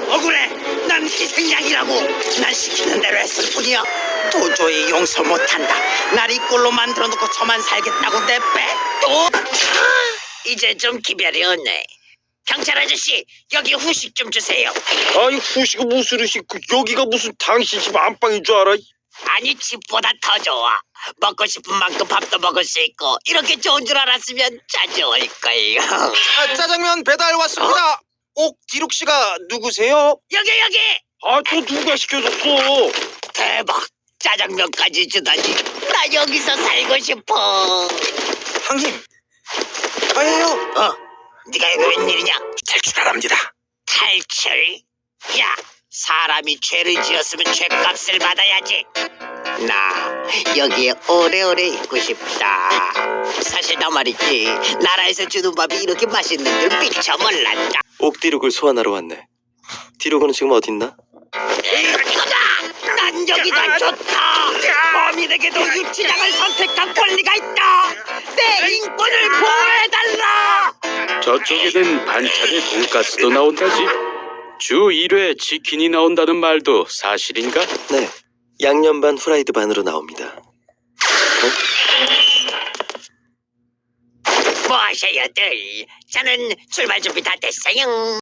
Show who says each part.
Speaker 1: 억울해. 난 희생양이라고. 난 시키는 대로 했을 뿐이야. 도저히 용서 못한다. 날 이 꼴로 만들어놓고 저만 살겠다고 내빼또 이제 좀 기별이 없네. 경찰 아저씨, 여기 후식 좀 주세요.
Speaker 2: 아니 후식이 무슨 후식? 여기가 무슨 당신 집 안방인 줄 알아?
Speaker 1: 아니, 집보다 더 좋아. 먹고 싶은 만큼 밥도 먹을 수 있고. 이렇게 좋은 줄 알았으면 자주 올 거예요.
Speaker 3: 짜장면 배달 왔습니다. 옥디룩 씨가 누구세요?
Speaker 1: 여기.
Speaker 2: 아 저 누가 시켜줬어?
Speaker 1: 대박. 짜장면까지 주다니. 나 여기서 살고 싶어.
Speaker 3: 형님, 저예요.
Speaker 1: 네가 여기 웬일이냐?
Speaker 3: 탈출하랍니다.
Speaker 1: 탈출? 야, 사람이 죄를 지었으면 죄값을 받아야지. 나 여기에 오래오래 있고 싶다. 사실 나 말이지, 나라에서 주는 밥이 이렇게 맛있는 줄 미처 몰랐다.
Speaker 4: 옥디룩을 소환하러 왔네. 디룩은 지금 어딨나?
Speaker 1: 이거다! 난 여기가 좋다. 범인에게도 유치장을 선택한 권리가 있다. 내 인권을 보호해달라.
Speaker 5: 저쪽에는 반찬에 돈가스도 나온다지. 주 1회 치킨이 나온다는 말도 사실인가?
Speaker 4: 네, 양념 반 후라이드 반으로 나옵니다.
Speaker 1: 뭐 하셔요들? 저는 출발 준비 다 됐어요.